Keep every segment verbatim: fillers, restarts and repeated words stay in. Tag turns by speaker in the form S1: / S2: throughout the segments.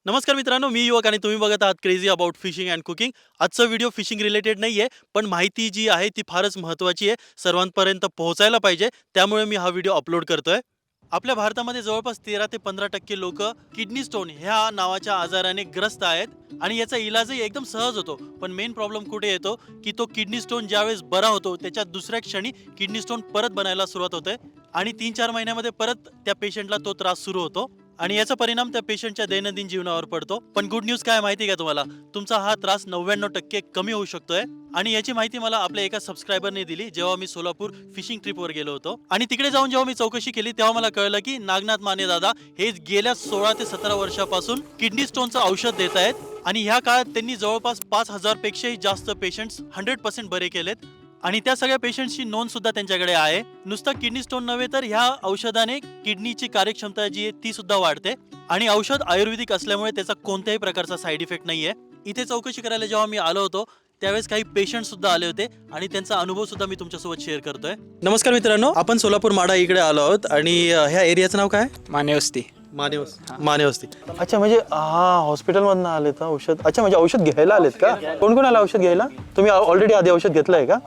S1: नमस्कार मित्रांनो, मी युवक आणि तुम्ही बघत आहात crazy about fishing and cooking. आजचा व्हिडिओ फिशिंग रिलेटेड नाही आहे, पण माहिती जी आहे ती फारच महत्त्वाची आहे, सर्वांपर्यंत पोहोचायला पाहिजे, त्यामुळे मी हा व्हिडिओ अपलोड करतोय. आपल्या भारतामध्ये जवळपास तेरा ते पंधरा टक्के लोक किडनी स्टोन ह्या नावाच्या आजाराने ग्रस्त आहेत आणि याचा इलाजही एकदम सहज होतो. पण मेन प्रॉब्लेम कुठे येतो की तो किडनी स्टोन ज्यावेळेस बरा होतो त्याच्या दुसऱ्या क्षणी किडनी स्टोन परत बनायला सुरुवात होते आणि तीन चार महिन्यामध्ये परत त्या पेशंटला तो त्रास सुरू होतो आणि याचा परिणाम त्या पेशंटच्या दैनंदिन जीवनावर पडतो. पण गुड न्यूज काय माहिती का तुम्हाला, तुमचा हा त्रास नव्याण्णव टक्के कमी होऊ शकतोय. आणि याची माहिती मला आपल्या एका सबस्क्रायबरने दिली जेव्हा मी सोलापूर फिशिंग ट्रिपवर गेलो होतो. आणि तिकडे जाऊन जेव्हा मी चौकशी केली तेव्हा मला कळलं की नागनाथ माने दादा हे गेल्या सोळा ते सतरा वर्षापासून किडनी स्टोनचं औषध देत आहेत आणि ह्या काळात त्यांनी जवळपास पाच हजार पेक्षाही जास्त पेशंट्स हंड्रेड पर्सेंट बरे केलेत आणि त्या सगळ्या पेशंट्सची नोंद सुद्धा त्यांच्याकडे आहे. नुसतं किडनी स्टोन नव्हे तर ह्या औषधाने किडनीची कार्यक्षमता जी आहे ती सुद्धा वाढते आणि औषध आयुर्वेदिक असल्यामुळे त्याचा कोणत्याही प्रकारचा साईड इफेक्ट नाहीये. इथे चौकशी करायला जेव्हा मी आलो होतो त्यावेळेस काही पेशंट सुद्धा आले होते आणि त्यांचा अनुभव सुद्धा मी तुमच्यासोबत शेअर करतोय. नमस्कार मित्रांनो, आपण सोलापूर माडा इकडे आलो आहोत आणि ह्या एरियाचं नाव काय?
S2: मानेवस्ती.
S1: मानेवस्ती. मानेवस्ती. अच्छा, म्हणजे हा हॉस्पिटल मधून आलेत औषध. अच्छा, म्हणजे औषध घ्यायला आलेत का? कोण कोण आलं औषध घ्यायला? तुम्ही ऑलरेडी आधी औषध घेतलंय का?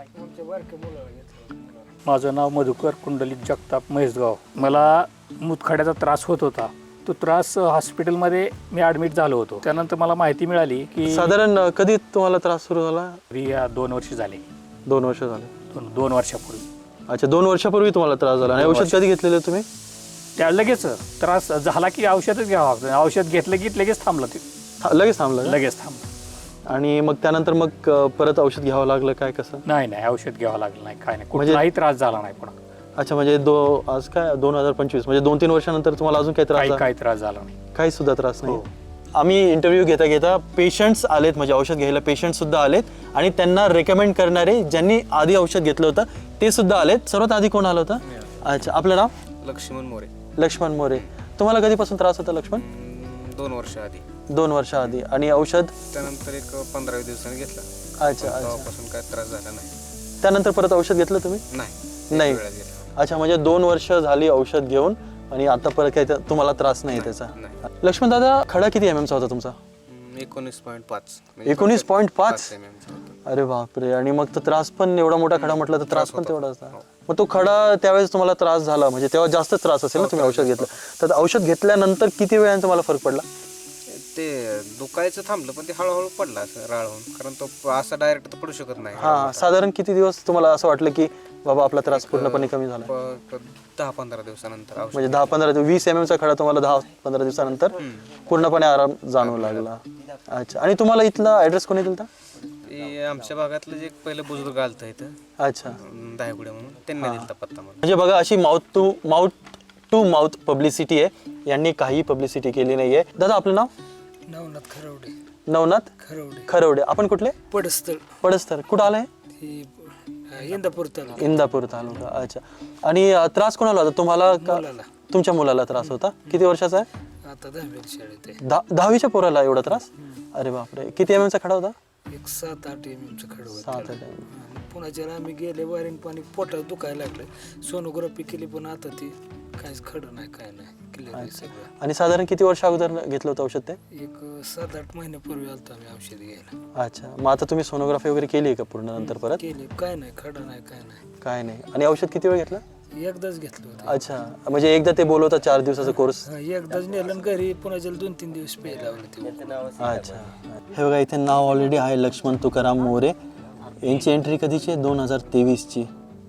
S2: माझं नाव मधुकर कुंडलिक जगताप म्हैसगाव. मला मुतखड्याचा त्रास होत होता. तो त्रास हॉस्पिटलमध्ये मी ॲडमिट झालो होतो. त्यानंतर मला माहिती मिळाली की
S1: साधारण कधी तुम्हाला त्रास सुरू झाला?
S2: रिया दोन वर्ष झाले.
S1: दोन वर्ष झाले.
S2: दोन दोन वर्षापूर्वी.
S1: अच्छा, दोन वर्षापूर्वी तुम्हाला त्रास झाला आणि औषध कधी घेतलेलं तुम्ही?
S2: त्या लगेच त्रास झाला की औषधच घ्यावं लागतं. औषध घेतलं की लगेच थांबलं ते.
S1: लगेच थांबलं का?
S2: लगेच थांबलं.
S1: आणि मग त्यानंतर मग परत औषध घ्यावं लागलं काय कसं?
S2: नाही नाही औषध घ्यावं लागलं नाही, काय नाही, कुठलाही त्रास झाला नाही. पण
S1: अच्छा, म्हणजे दो आज काय दोन हजार पंचवीस म्हणजे दोन तीन वर्षानंतर तुम्हाला अजून काही त्रास
S2: काही
S1: झाला?
S2: काही त्रास झाला नाही.
S1: काही सुद्धा त्रास नाही. आम्ही इंटरव्ह्यू घेता घेता पेशंट्स आलेत, म्हणजे औषध घ्यायला पेशंट सुद्धा आलेत आणि त्यांना रेकमेंड करणारे ज्यांनी आधी औषध घेतलं होतं ते सुद्धा आलेत. सर्वात आधी कोण आलं होतं? अच्छा, आपलं नाव?
S3: लक्ष्मण मोरे.
S1: लक्ष्मण मोरे. तुम्हाला कधीपासून त्रास होता लक्ष्मण?
S3: दोन वर्ष आधी.
S1: दोन वर्ष आधी. आणि औषध
S3: त्यानंतर एक पंधरा दिवसांनी घेतला.
S1: अच्छा अच्छा.
S3: तेव्हापासून काय त्रास झाला नाही.
S1: त्यानंतर परत औषध घेतलं तुम्ही?
S3: नाही
S1: नाही.
S3: वेळाच घेतला.
S1: अच्छा, म्हणजे दोन वर्ष झाली औषध घेऊन आणि आता परत काही त्या- तुम्हाला त्रास नाही त्याचा?
S3: नाही.
S1: लक्ष्मण दादा, खडा किती एम एमचा होता तुमचा?
S3: हम्म, एकोणीस पॉईंट पाच.
S1: एकोणीस पॉईंट पाच?
S3: एम एमचा होता.
S1: अरे बापरे. आणि मग तो त्रास पण एवढा मोठा खडा म्हटलं तर त्रास पण तेवढा असता. मग तो खडा त्यावेळेस तुम्हाला त्रास झाला म्हणजे तेव्हा जास्त त्रास असेल ना, तुम्ही औषध घेतलं तर औषध घेतल्यानंतर किती वेळाने तुम्हाला फरक पडला?
S3: ते दुखायचं थांबलं पण ते हळूहळू पडला असं राळ होऊन, कारण तो असा डायरेक्ट तर पडू शकत नाही.
S1: हा, साधारण किती दिवस तुम्हाला असं वाटलं की बाबा आपला त्रास पूर्णपणे कमी झाला?
S3: प- प- दहा पंधरा दिवसानंतर औषध.
S1: म्हणजे दहा पंधरा दिवस वीस एम एमचा खडा तुम्हाला दहा पंधरा दिवसानंतर पूर्णपणे आराम जाणवू लागला. अच्छा. आणि तुम्हाला इथला ऍड्रेस कोणी दिलता?
S3: ते आमच्या भागातलं जे एक पहिलं बुजुर्ग आलतं इथं,
S1: अच्छा.
S3: दहागुड्या म्हणून, त्यांनी दिलता पत्ता मला.
S1: म्हणजे बघा, अशी mouth to mouth to mouth publicity आहे. यांनी काही पब्लिसिटी केली नाहीये. दादा, आपलं नाव?
S4: नवनाथ खरवडे.
S1: नवनाथ
S4: खरवडे.
S1: खरवडे. आपण कुठले?
S4: पडस्थळ.
S1: पडस्थळ. कुठं आलंय?
S4: ही इंदापूर तालुका.
S1: इंदापूर तालुका. अच्छा. आणि अं, त्रास कोणाला होता तुम्हाला का?
S4: मुलाला.
S1: तुमच्या मुलाला त्रास होता? किती वर्षाचा आहे?
S4: आता दहावीला शाळेत आहे.
S1: दहा दहावीच्या पोराला एवढा त्रास? अरे बापरे. किती एम एमचा खडा होता?
S4: एक सात आठ एम एमचं खडं होतं.
S1: सात आठ एम.
S4: पुण्याच्या आम्ही गेले, वारीन पाणी पोटात दुखायला लागलं. सोनोग्राफी केली पण आता ती काहीच खडं नाही, काय नाही, क्लिअर आहे सगळं.
S1: आणि साधारण किती वर्ष अगोदर घेतलं होतं औषध ते?
S4: एक सात आठ महिन्यापूर्वी आलतो आम्ही औषध घ्यायला.
S1: अच्छा. मग आता तुम्ही सोनोग्राफी वगैरे केली आहे का पूर्ण नंतर परत?
S4: केली, काय नाही, खडं नाही, काय नाही.
S1: काय नाही. आणि औषध किती वेळ घेतलं?
S4: एकदाच घेतलं होतं.
S1: अच्छा. म्हणजे एकदा ते बोलवता चार दिवसाचा कोर्स?
S4: हा, एकदाच नेलं आणि घरी पुण्याच्या दोन तीन दिवस प्यायला लावलं ते.
S1: अच्छा. हे बघा, इथे नाव ऑलरेडी आहे, लक्ष्मण तुकाराम मोरे. यांची एंट्री कधीची आहे? दोन हजार तेवीसची.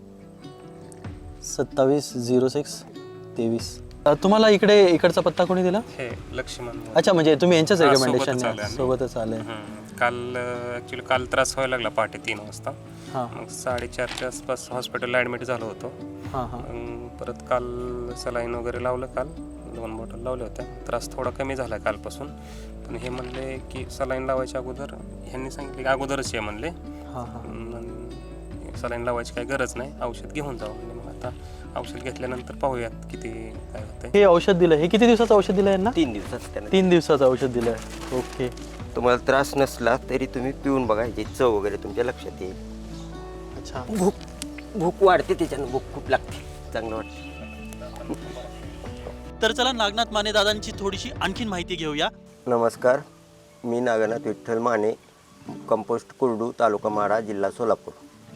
S1: सत्तावीस झिरो सिक्स तेवीस. तुम्हाला इकडे इकडचा पत्ता कोणी दिला?
S5: हे लक्ष्मण मोरे.
S1: अच्छा, म्हणजे तुम्ही यांच्याच
S5: हा,
S1: रेकमेंडेशन
S5: सोबतच आले आम्ही.
S1: सोबतच आले?
S5: हम्म. काल ॲक्च्युली काल त्रास व्हायला लागला पहाटे तीन वाजता.
S1: हां
S5: मग साडेचारच्या आसपास हॉस्पिटलला ॲडमिट झालो होतो.
S1: हां हां.
S5: मग परत काल सलाईन वगैरे लावलं, काल दोन बॉटल लावल्या होत्या. त्रास थोडा कमी झाला कालपासून. पण हे म्हणले की सलाईन लावायच्या अगोदर ह्यांनी सांगितले की अगोदरच ये म्हणले.
S1: हां हां.
S5: सलाईन लावायची काही गरज नाही, औषध घेऊन जाऊ म्हणजे. मग आता औषध घेतल्यानंतर पाहूयात किती काय होतंय.
S1: हे औषध दिलं, हे किती दिवसाचं औषध दिलं यांना?
S6: तीन दिवसात त्याने.
S1: तीन दिवसाचं औषध दिलं आहे. ओके.
S6: तुम्हाला त्रास नसला तरी तुम्ही पिऊन बघा, याची चव वगैरे तुमच्या लक्षात येईल.
S1: अच्छा.
S6: भूक भूक वाढते, त्याच्यानं भूक खूप लागते, चांगलं वाटतं.
S1: तर चला नागनाथ माने दादांची थोडीशी आणखीन माहिती घेऊया.
S6: नमस्कार, मी नागनाथ विठ्ठल माने, कंपोस्ट कुर्डू, तालुका माढा, जिल्हा सोलापूर.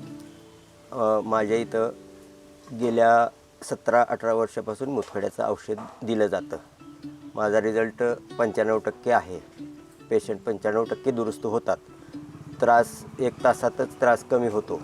S6: अ, माझ्या इथं गेल्या सतरा अठरा वर्षापासून मुतखड्याचं औषध दिलं जातं. माझा रिझल्ट पंच्याण्णव टक्के आहे. पेशंट पंच्याण्णव टक्के दुरुस्त होतात. त्रास एक तासातच त्रास कमी होतो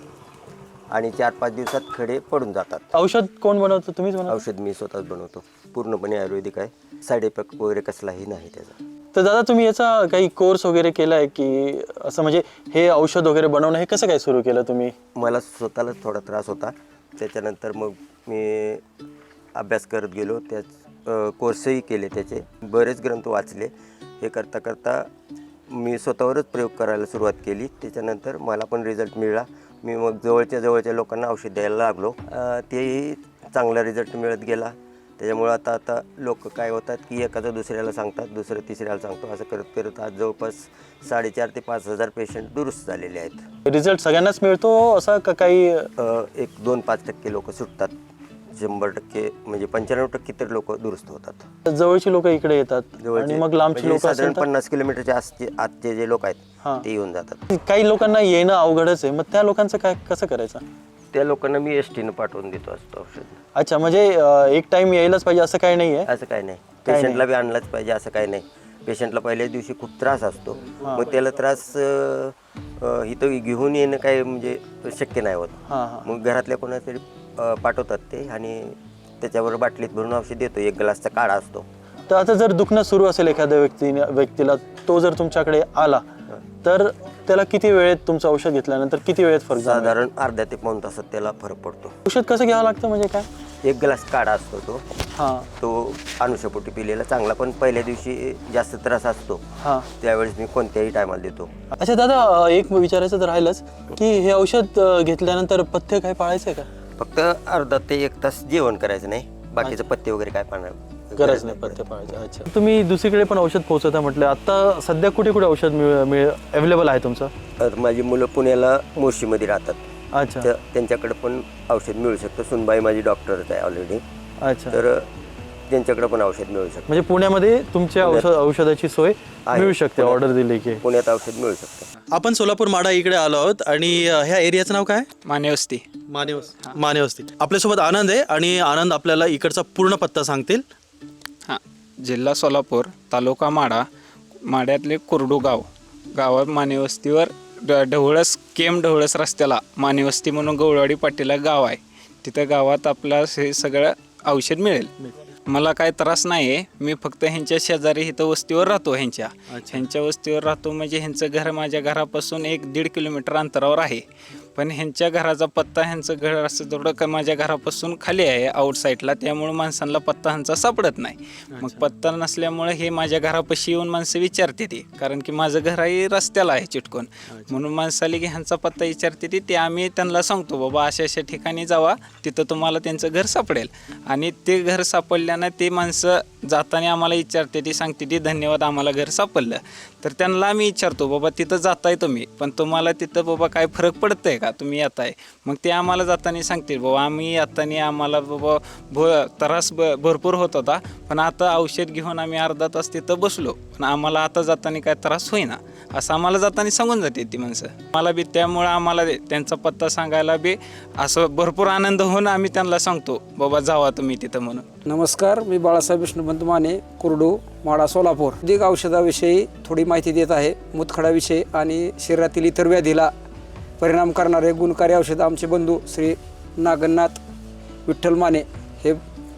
S6: आणि चार पाच दिवसात खडे पडून जातात.
S1: औषध कोण बनवतं, तुम्हीच बनवता?
S6: औषध मी स्वतःच बनवतो. पूर्णपणे आयुर्वेदिक आहे. साईड इफेक्ट वगैरे कसलाही नाही त्याचा.
S1: तर दादा तुम्ही याचा काही कोर्स वगैरे केला आहे की असं, म्हणजे हे औषध वगैरे बनवणं हे कसं काय सुरू केलं तुम्ही?
S6: मला स्वतःलाच थोडा त्रास होता. त्याच्यानंतर मग मी अभ्यास करत गेलो. त्याच कोर्सही केले, त्याचे बरेच ग्रंथ वाचले. हे करता करता मी स्वतःवरच प्रयोग करायला सुरुवात केली. त्याच्यानंतर मला पण रिझल्ट मिळाला. मी मग जवळच्या जवळच्या लोकांना औषध द्यायला लागलो. तेही चांगला रिझल्ट मिळत गेला. त्याच्यामुळं आता आता लोक काय होतात की एखादं दुसऱ्याला सांगतात, दुसरं तिसऱ्याला सांगतो. असं करत करत आज जवळपास साडेचार ते पाच हजार पेशंट दुरुस्त झालेले आहेत.
S1: रिझल्ट सगळ्यांनाच मिळतो असा का काही?
S6: अ, एक दोन पाच टक्के लोक सुटतात. शंभर टक्के म्हणजे पंच्याण्णव टक्के तर लोक दुरुस्त होतात.
S1: जवळची लोक इकडे येतात आणि मग लांबची
S6: म्हणजे
S1: लोक
S6: साधारण पन्नास किलोमीटरच्या आसचे आतचे जे लोक
S1: हां.
S6: आहेत ते येऊन जातात.
S1: काही लोकांना येणं अवघडच आहे, मग त्या लोकांचं काय कसं करायचं?
S6: त्या लोकांना मी एस टीनं पाठवून देतो असतो औषध.
S1: अच्छा, म्हणजे अं, एक टाइम यायलाच पाहिजे असं काही नाही आहे?
S6: असं काही नाही. पेशंटला बी आणलाच पाहिजे असं काही नाही. पेशंटला पहिल्याच दिवशी खूप त्रास असतो. मग त्याला त्रास अ, अ, इथं घेऊन येणं काय म्हणजे शक्य नाही होत.
S1: हां हां.
S6: मग घरातल्या कोणातरी अ, पाठवतात ते आणि त्याच्यावर बाटलीत भरून औषध देतो. एक ग्लासचा काढा असतो.
S1: तर आता जर दुखणं सुरू असेल एखाद्या व्यक्तीने व्यक्तीला, तो जर तुमच्याकडे आला तर त्याला किती वेळेत तुमचं औषध घेतल्यानंतर किती वेळेत फरक जाणवेल?
S6: साधारण अर्ध्या ते पाऊण तासात त्याला फरक पडतो.
S1: औषध कसं घ्यावं लागतं म्हणजे काय?
S6: एक ग्लास काढा असतो तो
S1: हां
S6: तो अनुषपोटी पिलेला चांगला. पण पहिल्या दिवशी जास्त त्रास असतो,
S1: हां.
S6: त्यावेळेस मी कोणत्याही टायमाला देतो.
S1: अच्छा दादा, अं, एक विचारायचं तर राहिलंच की हे औषध अं, घेतल्यानंतर पथ्य काय पाळायचं आहे का?
S6: फक्त अर्धा ते एक तास जेवण करायचं नाही. बाकीचं पत्ते वगैरे काय पाळणार
S1: गरज नाही पथ्य पाळायचं. अच्छा, तुम्ही दुसरीकडे पण औषध पोहोचवता म्हटलं. आता सध्या कुठे कुठे औषध मिळ मिळ अवेलेबल आहे तुमचं?
S6: तर माझी मुलं पुण्याला मोशीमध्ये राहतात.
S1: अच्छा
S6: तर त्यांच्याकडे पण औषध मिळू शकतं. सुनबाई माझी डॉक्टरच आहे ऑलरेडी.
S1: अच्छा,
S6: तर त्यांच्याकडे पण औषध मिळू शकतं.
S1: म्हणजे पुण्यामध्ये तुमच्या औषध औषधाची सोय
S6: आहे.
S1: मिळू शकते
S6: पुण्यात-
S1: ऑर्डर दिली की?
S6: पुण्यात औषध मिळू शकतं.
S1: आपण सोलापूर माढा इकडे आलो आहोत आणि अं, ह्या एरियाचं नाव काय?
S7: मानेवस्ती.
S1: मानेवस्ती. मानेवस्ती. आपल्यासोबत आनंद आहे आणि आनंद आपल्याला इकडचा पूर्ण पत्ता सांगतील.
S7: हां, जिल्हा सोलापूर, तालुका माढा, माढ्यातले कुर्डू गाव. गावात मानेवस्तीवर ड ढवळस केम ढवळस रस्त्याला मानेवस्ती म्हणून गवळवाडी पाटीला गाव आहे. तिथं गावात आपला हे सगळं औषध मिळेल. मला काय त्रास नाही आहे. मी फक्त ह्यांच्या शेजारी इथं वस्तीवर राहतो. ह्यांच्या ह्यांच्या वस्तीवर राहतो म्हणजे ह्यांचं घर माझ्या घरापासून एक दीड किलोमीटर अंतरावर आहे. पण ह्यांच्या घराचा पत्ता, ह्यांचं घर असं थोडं का माझ्या घरापासून खाली आहे आउटसाईडला. त्यामुळे माणसांना पत्ता ह्यांचा सापडत नाही. मग पत्ता नसल्यामुळे हे माझ्या घरापाशी येऊन माणसं विचारते ती, कारण की माझं घरही रस्त्याला आहे चिटकून. म्हणून माणसाला की ह्यांचा पत्ता विचारते ती. ते आम्ही त्यांना सांगतो बाबा अशा अशा ठिकाणी जावा, तिथं तुम्हाला त्यांचं घर सापडेल. आणि ते घर सापडल्यानं ते माणसं जाताना आम्हाला विचारते ती, सांगते ती धन्यवाद आम्हाला घर सापडलं. तर त्यांना आम्ही विचारतो बाबा तिथं जाताय तुम्ही, पण तुम्हाला तिथं बाबा काय फरक पडतंय का, तुम्ही येताय? मग ते आम्हाला जाताना सांगतील बाबा आम्ही येताना आम्हाला बाबा भ त्रास ब भरपूर होत होता, पण आता औषध घेऊन आम्ही अर्धा तास तिथं बसलो, पण आम्हाला आता जाताना काय त्रास होईना, असं आम्हाला जाताना सांगून जाते ती माणसं. मला बी त्यामुळं आम्हाला त्यांचा पत्ता सांगायला बी असं भरपूर आनंद होऊन आम्ही त्यांना सांगतो बाबा जावा तुम्ही तिथं म्हणून.
S8: नमस्कार, मी बाळासाहेब विष्णुपंत माने, कुर्डू, माढा, सोलापूर. अधिक औषधाविषयी थोडी माहिती देत आहे. मुतखड्याविषयी आणि शरीरातील इतर व्याधीला परिणाम करणारे गुणकारी औषध आमचे बंधू श्री नागनाथ विठ्ठल माने हे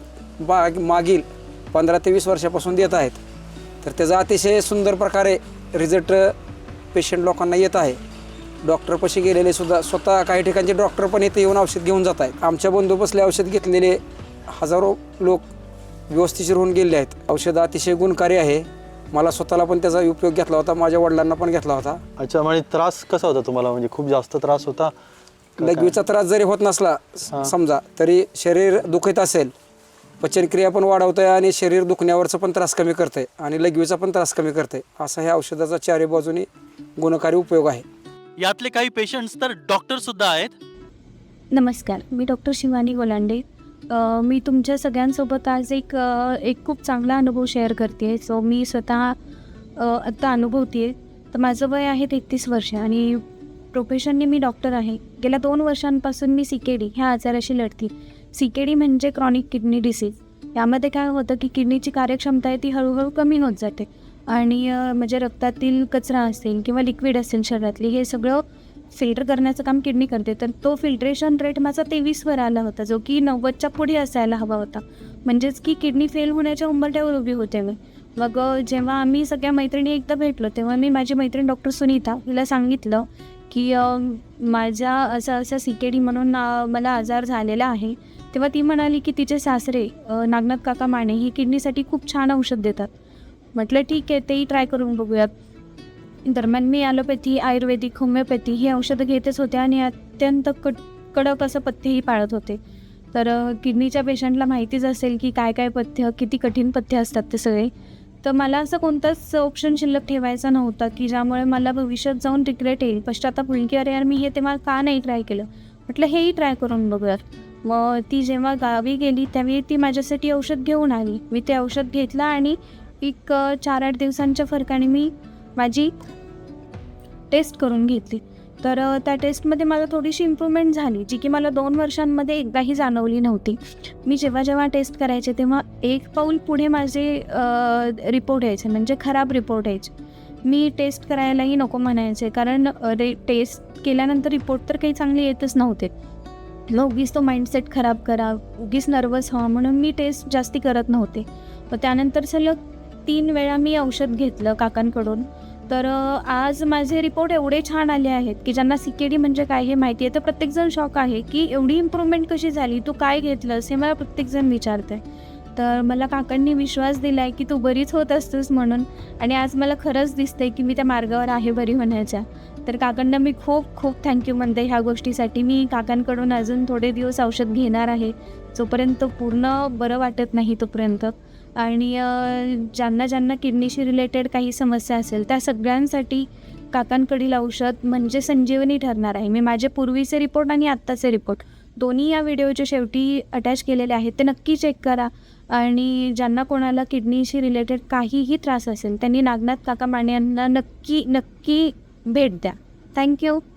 S8: बा मागील पंधरा ते वीस वर्षापासून देत आहेत. तर त्याचा अतिशय सुंदर प्रकारे रिझल्ट पेशंट लोकांना येत आहे. डॉक्टरपाशी गेलेले सुद्धा स्वतः काही ठिकाणचे डॉक्टर पण इथे येऊन औषध घेऊन जात आहेत. आमच्या बंधू बसले औषध घेतलेले हजारो लोक व्यवस्थिशीर होऊन गेले आहेत. औषध अतिशय गुणकारी आहे. मला स्वतःला पण त्याचा उपयोग घेतला होता, माझ्या वडिलांना पण घेतला होता.
S1: अच्छा, म्हणजे त्रास कसा होता तुम्हाला? म्हणजे खूप जास्त त्रास होता?
S8: लघवीचा त्रास जरी होत नसला समजा, तरी शरीर दुखत असेल, पचनक्रिया पण वाढवतंय आणि शरीर दुखण्यावरचा पण त्रास कमी करतंय आणि लघवीचा पण त्रास कमी करतंय. असा ह्या औषधाचा चारी बाजूनी गुणकारी उपयोग आहे.
S1: यातले काही पेशंट्स तर डॉक्टर सुद्धा आहेत.
S9: नमस्कार, मी डॉक्टर शिवानी गोलांडे. अ, मी तुमच्या सगळ्यांसोबत आज एक अ, एक खूप चांगला अनुभव शेअर करते. सो मी स्वतः आत्ता अनुभवते आहे. तर माझं वय आहे तेहतीस वर्ष आणि प्रोफेशनने मी डॉक्टर आहे. गेल्या दोन वर्षांपासून मी सी के डी ह्या आजाराशी लढते. सी के डी म्हणजे क्रॉनिक किडनी डिसीज. यामध्ये काय होतं की किडनीची कार्यक्षमता आहे ती हळूहळू कमी होत जाते आणि म्हणजे रक्तातील कचरा असेल किंवा लिक्विड असेल शरीरातली हे सगळं फिल्टर करण्याचं काम किडनी करते. तर तो फिल्ट्रेशन रेट माझा तेवीसवर आला होता, जो की नव्वदच्या पुढे असायला हवा होता. म्हणजेच की किडनी फेल होण्याच्या उंबरठ्यावर उभी होते मी. मग जेव्हा आम्ही सगळ्या मैत्रिणी एकदा भेटलो तेव्हा मी माझी मैत्रीण डॉक्टर सुनीता हिला सांगितलं की माझ्या असं असं सी के डी म्हणून मला आजार झालेला आहे. तेव्हा ती म्हणाली की तिचे सासरे नागनाथ काका माने ही किडनीसाठी खूप छान औषध देतात. म्हटलं ठीक आहे, तेही ट्राय करून बघूयात. दरम्यान मी ॲलोपॅथी, आयुर्वेदिक, होमिओपॅथी ही औषधं घेतच होते आणि अत्यंत कट कडक असं पथ्यही पाळत होते. तर किडनीच्या पेशंटला माहितीच असेल की काय काय पथ्य, किती कठीण पथ्य असतात ते सगळे. तर मला असं कोणताच ऑप्शन शिल्लक ठेवायचा नव्हता की ज्यामुळे मला भविष्यात जाऊन रिग्रेट येईल, पश्चाताप होईल की अरे यार मी हे तेव्हा का नाही ट्राय केलं. म्हटलं हेही ट्राय करून बघूयात. मग ती जेव्हा गावी गेली त्यावेळी ती माझ्यासाठी औषध घेऊन आली. मी ते औषध घेतलं आणि एक चार आठ दिवसांच्या फरकाने मी माझी टेस्ट करून घेतली. तर त्या टेस्टमध्ये मला थोडीशी इम्प्रूव्हमेंट झाली, जी की मला दोन वर्षांमध्ये एकदाही जाणवली नव्हती. मी जेव्हा जेव्हा टेस्ट करायचे तेव्हा एक पाऊल पुढे माझे रिपोर्ट यायचे, म्हणजे खराब रिपोर्ट यायचे. मी टेस्ट करायलाही नको म्हणायचे, कारण रे टेस्ट केल्यानंतर रिपोर्ट तर काही चांगले येतच नव्हते. मग उगीच तो माइंडसेट खराब करा, उगीच नर्वस व्हा म्हणून मी टेस्ट जास्ती करत नव्हते. मग त्यानंतर सलग तीन वेळा मी औषध घेतलं काकांकडून. तर आज माझे रिपोर्ट एवढे छान आले आहेत की ज्यांना सी के डी म्हणजे काय हे माहिती आहे, तर प्रत्येकजण शॉक आहे की एवढी इम्प्रूव्हमेंट कशी झाली, तू काय घेतलंस हे मला प्रत्येकजण विचारतं आहे. तर मला काकांनी विश्वास दिला आहे की तू बरीच होत असतेस म्हणून, आणि आज मला खरंच दिसतंय की मी त्या मार्गावर आहे बरी होण्याच्या. तर काकांना मी खूप खूप थँक्यू म्हणते ह्या गोष्टीसाठी. मी काकांकडून अजून थोडे दिवस औषध घेणार आहे, जोपर्यंत पूर्ण बरं वाटत नाही तोपर्यंत. आणि ज्यांना ज्यांना किडनीशी रिलेटेड काही समस्या असेल त्या सगळ्यांसाठी काकांकडील औषध म्हणजे संजीवनी ठरणार आहे. मी माझे पूर्वीचे रिपोर्ट आणि आत्ताचे रिपोर्ट दोन्ही या व्हिडिओच्या शेवटी अटॅच केलेले आहेत, ते नक्की चेक करा. आणि ज्यांना कोणाला किडनीशी रिलेटेड काहीही त्रास असेल त्यांनी नागनाथ काका माने यांना नक्की नक्की भेट द्या. थँक्यू.